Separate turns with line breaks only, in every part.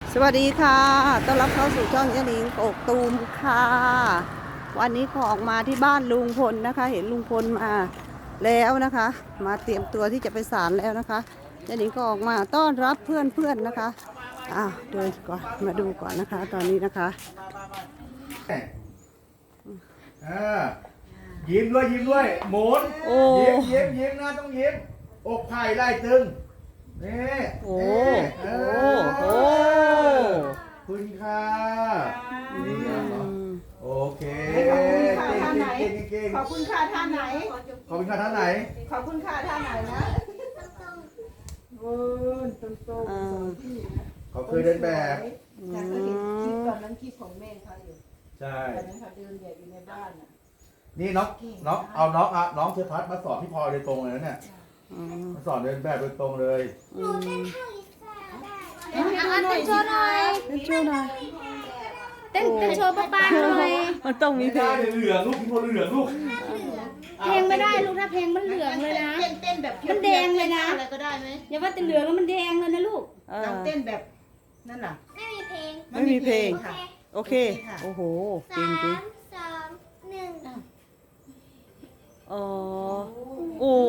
สวัสดีค่ะต้อนรับเข้าสู่ช่องยะหนิงกกตูมค่ะ วันนี้ก็ออกมาที่บ้านลุงพลนะคะ เห็นลุงพลมาแล้วนะคะ มาเตรียมตัวที่จะไปศาลแล้วนะคะยะหนิงก็ออกมาต้อนรับเพื่อนๆนะคะเดินก่อนมาดูก่อนนะคะ ตอนนี้นะคะ
ยิ้มด้วยยิ้มด้วยหมุนยิ้มนะต้องยิ้มอกไผ่ไล่ตึงนี่
โอ้
คุณค่ะโอเค
ขอบคุณค่ะท่านไหน
ขอบคุณค่ะท่านไหน
ขอบคุณค่ะท่านไหนนะตรง
เขาเคยเดินแบบ
แต่ก็เห็นคลิปตอนนั้นคลิปของแม่เขาอยู่
ใช่
ตอนนั้นเขาเดินแบบอยู่ในบ้านน่ะ
นี่น้องเอาน้องเชฟพัดมาสอนพี่พลอยโดยตรงเลยนะเนี่ยมาสอนเดินแบบโดยตรงเลย
หนูเต้นท่าลิซ่าได้
เต้นโชว์หน่อย
ช่วยหน่อย
เต้นโชว์ป้าหน่อย
มันต้องมีเพลง
เหลืองลูกพี่พลอยเหลืองลูก
เพลงไม่ได้ลูกถ้าเพลงมันเหลืองเลยนะ
เต้นแบบ
มันแดงเลยนะ
อะไรก็ได้ไหม
อย่าว่าแต่เหลืองแล้วมันแดงเลยนะลูก
ลองเต้นแบบนั่นน่ะ
ไม่มีเพลง
ไม่มีเพลง
ค่ะ
โอเคโอ้โหจริง
3 2 1
อ๋อโอ้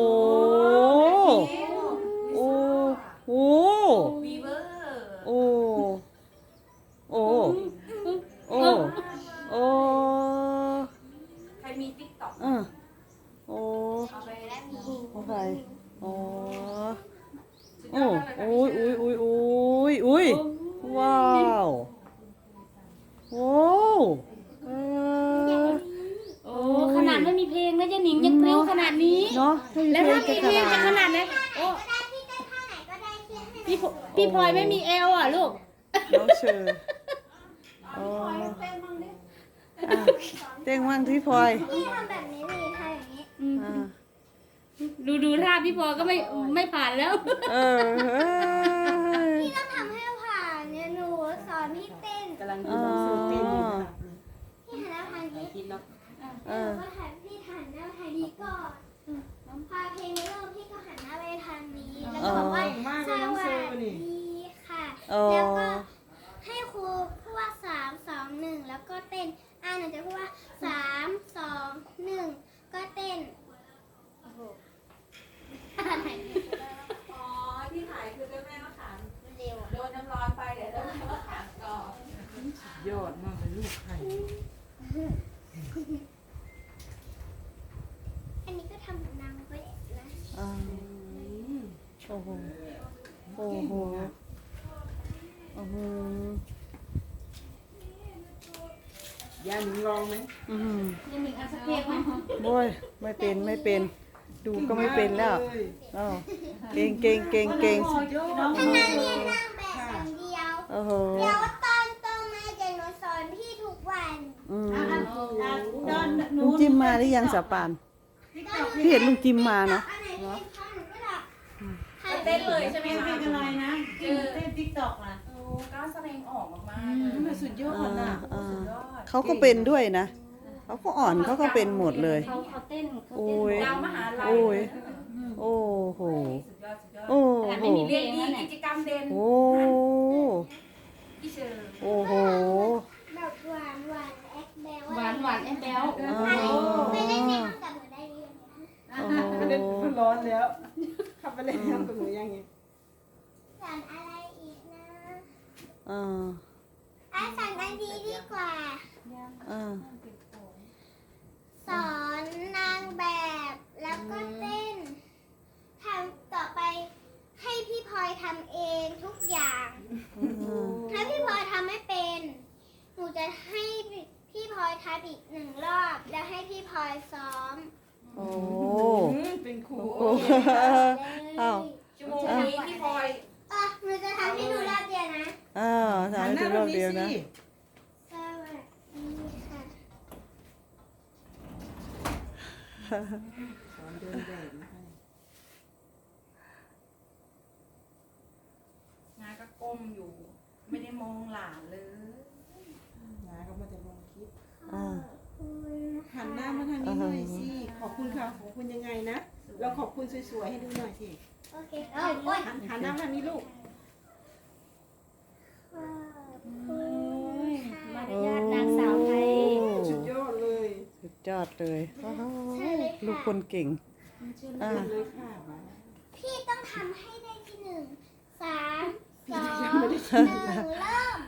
โอ้โอ้โอ้โอ้โอ้โอ้
ใครมีติ๊กต็อก
โอ้
เอาไปแล้วมี
โอเคโอ้โอ้อุ้ยอุ้ยอุ้ยอุ้ยอุ้ยว้าวโอ้
โอ้ขนาดไม่มีเพลงนะยายหนิงยังปลิ้วขนาดนี้
เนาะ
แล้วถ้ามีเพลงจะขนาดไหนโอ้
ก็ได้พี่เต้นท่าไหนก็ได้ที่ให้
พี่พลอยไม่มีเอวอ่ะลูก
น้องเชอร์อ๋อเต้งมั่งที่พลอย
พี่ทำแบบนี้นี่ทำอย่างนี้
อ่า
ดูท่าพี่พลอยก็ไม่ผ่านแล้ว
เออ
พี่ต้องทำให้ผ่านเนี่ยหนูสอนพี่เต้น
กำลังดูหนังสือเต้นอยู่ค่ะ
พี่หันหน้าทางนี้
คิดเนาะ
แล้วก็หันพี่หันหน้าทางนี้ก่อนพอเพลงเริ่มพี่ก็หันหน้าไปทางนี้แล้วก็บอกว่าสวัสดีค่ะแล้วก็ให้ครูพูดว่า3 2 1แล้วก็เต้นหนูจะพูดว่า3 2 1ก็เต้นอะไร
อ๋อที่ถ่ายคือเจ้าแม่มะขาม
เร็ว
โดนน้ำร้อนไปเดี๋ยวเจ้าแม่มะขามก่อน
ยอดมากเลยลูกไข่
อันนี้ก็ทำกับนางไว้นะ
อ่าโอ้โหโอ้โหโอ้โห
ย่าหนิงลองไหม
อืม
ยายหนิงเอาสักเพลงไหม
โอ้ยไม่เป็นดูก็ไม่เป็นแล้วอ๋อเก่ง
ถ้านั่งเรียนนั่งแบบอย่างเดียว
โอ้โห
เดี๋ยวตอนโตมาจะหนูสอนพี่ทุกวัน
ลุงจิมมาหรือยังสะปานพี่เห็นลุงจิมมาเนาะ
อันไหนที่เป็นข้อหนูก็ดับ
เต้นเลยใช่ไหมคะ
อะไรนะเต้นติ๊กต็อกนะ
โอ้กล้าแสดงออกมากๆเลย
มันสุดยอดน่ะ
สุดยอด
เขาก็เป็นด้วยนะเขาก็อ่อนเขาก็เป็นหมดเลย
เขาเต้น
โอ้ย
ดาวมหาลัย
โอ้ยโอ้โห
สุดยอดสุดยอด
โอ้
แต่
โห
ไม่มีเพล
เรียน
ง
ดี
นั่นแหละ
กิจกรรมเด่น
โอ้
พี่เชอร์
โอ้โห
แบบหวานหวานแอคแบล
หวานแอบแบ๊ว
ไม่ได้เต้นกับหนูได้ยัง
โอ้โห
ไม่ได้ร้อนแล้วขับไปเล่นน้ำกับหนูยังไง
สอนอะไรอีกนะ
อ่า
สอนอันดีดีกว่า
อ่า
สอนนางแบบแล้วก็เต้นทำต่อไปให้พี่พลอยทำเองทุกอย่าง ถ้าพี่พลอยทำไม่เป็น หนูจะให้พี่พลอยทำอีก1 รอบ แล้วให้พี่พลอยซ้อม
โอ้
เป็นครู
โอ้อ้าว
ชั่วโมงนี้พี่พลอย
หนูจะทำให้ดูรอบเดียวนะ
อ้าวทำให้ดูรอบเดียวนะ
สวัสดีค่ะ
สอนเดินแบบนะคะ
งานก็ก้มอยู่ ไม่ได้มองหลานเลย
น้าก็มาจะลองคลิป
อ่า
หันหน้ามาทางนี้หน่อยสิขอบคุณค่ะขอบคุณยังไงนะเราขอบคุณสวยๆให้ดูหน่อยสิ
โอเคโอ้ย
หันหน้ามาทางนี้ลูก
ขอบ
เลยโอ้โหลูกคนเก่งอ่า
เลยค่ะมา
พี่ต้องทำให้ได้ที่หนึ่ง3 2 1เริ่ม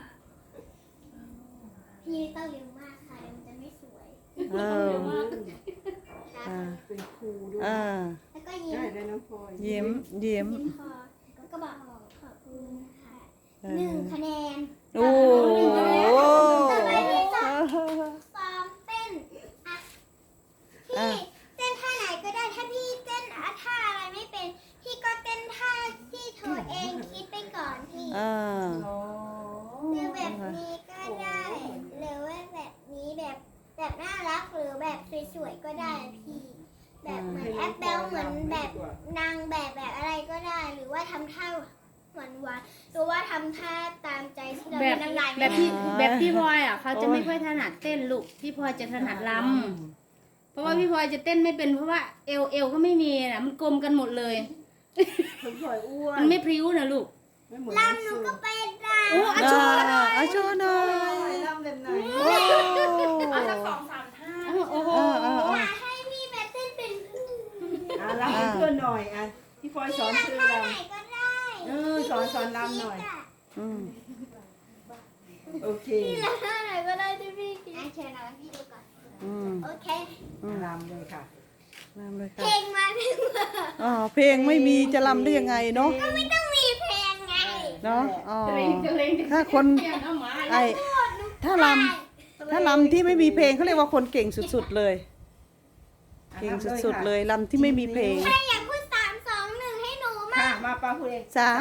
พี่ต้องเร็วมากค่ะมันจะไม่สวย
เออ
ค่ะ
อ่า
เป็นครูด้วย
อ่า
แล้วก็ยิ้
ได้
ม
เลยน้องพลอย
ยิ้มยิ้ม
ยิ้มคอแล้วก็บอกขอบคุณค่ะ1 คะแนน
โอ้
ต่อไปพี่จะซ้อมเต้นอ่ะพี่เต้นท่าไหนก็ได้ ถ้าพี่เต้นท่าอะไรไม่เป็น พี่ก็เต้นท่าที่ตัวเองคิดไปก่อนพี่
อ่า
หรือแบบนี้ก็ได้ หรือว่าแบบนี้แบบน่ารักหรือแบบสวยๆก็ได้พี่ แบบเหมือนแอปเปิลเหมือนแบบนางแบบอะไรก็ได้ หรือว่าทำท่าหวานๆหรือว่าทำท่าตามใจที่เรา
แบบ
น้ำลาย
แบบพี่พลอยอ่ะเขาจะไม่ค่อยถนัดเต้นลูกพี่พลอยจะถนัดรำเพราะว่าพี่พลอยจะเต้นไม่เป็นเพราะว่าเอวก็ไม่มีน่ะมันกลมกันหมดเลย
น้องพลอยอ้วน
มันไม่พริ้วนะลูก
ไม่เหมือน
ลำหนูก็เป็นล
โอ้อาชู
อาโชว์หน่อย
ลำแบบไหน
โอ้
เอาสัก2-3 ท่า
โอ้โห
ำอยากให้พี่แบบเต้นเป็น
ลำให้เพื่อนหน่อยอ่ะพี่พลอยสอนเพื่อน
ท่า
ล
ไหนก็ได้
สอนลำหน่อย
อืม
ำโอเค
ท่าไหนก็ได้ที่พี่คิดเชิญเอาพี่ดูก่อน
อืม
โอเค
ลำเลยค่ะ
ลำเลย
เพ
ค่ะ
ลงมาเพลงมา
อ๋อเพลงไม่มีจะลำได้ยังไงเนาะ
ก็ไม่ต้องมีเพลงไง
เนาะอ๋อ
เกรงเกรง
ถ้าคนไอถ้าลำที่ไม่มีเพลงเขาเรียกว่าคนเก่งสุดๆเลย เก่งสุดๆเลยลำที่ไม่มีเพลง
ใครอยากพูด3 2 1ให้หนูมา
ค่ะมาปาพูดเอง
สาม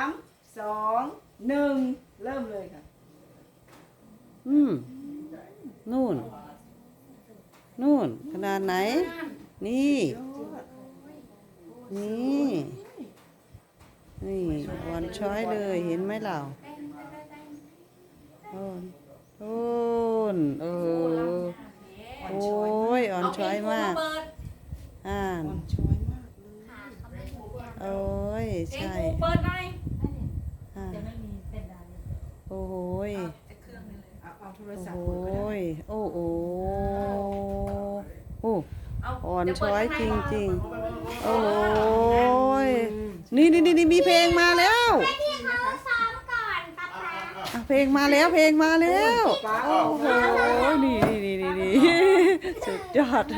2 1เริ่มเลยค่ะ
อืมนู่น นู่นขนาดไหน นี่ นี่ นี่อ่อนช้อยเลยเห็นไหมเราโอนโอนโอ้ยอ่อนช้อยมาก
เปิด
อ่าน
ช่วยมากเลย
โอ้ย
เอง
ใช่
กูเปิดหน่อย
อ่าโอ้ย
เอาโทร
โอ้
ศัพ
โห
ท์เปิดก็ได้
ยโอ้โหโอ้
เอา
อ่อน
เดี๋ยวเปิ
ช้
ด
อย
ข้างใน
จริง
ก่อน
ๆ โอ้ยนี่มีเพลงมาแล้ว
พี่เขาซ้อมก่อนป๊าป๊า
อ่ะเพลงมาแล้วเพลงมาแล้ว
ป้า
โอ้โหนี่สุดยอด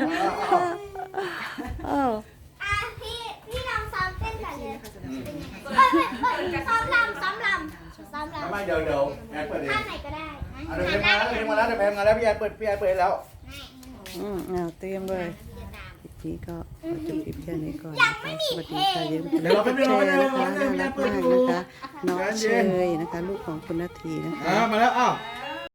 อ้าว
พี่ลองซ้อมเต้นก่อนเลยซ้อมลำ
ทำไมเดี๋ยวแอนเปิดเอง
ท่าไหนก็ได้
เอาเดี๋ยวเพลงมาแล้วเพลงมาแล้วพี่แอนเปิดแล้ว
เตรียมเลยคลิปนี้ก็ขอจบคลิปแค่นี้ก่อนนะคะสวัสดีค่ะอย่าลืมกดไลค์กดแชร์นะคะน่ารักมากนะคะน้องเชยนะคะลูกของคุณนาทีนะคะ
มาแล้วอ้าว
เอ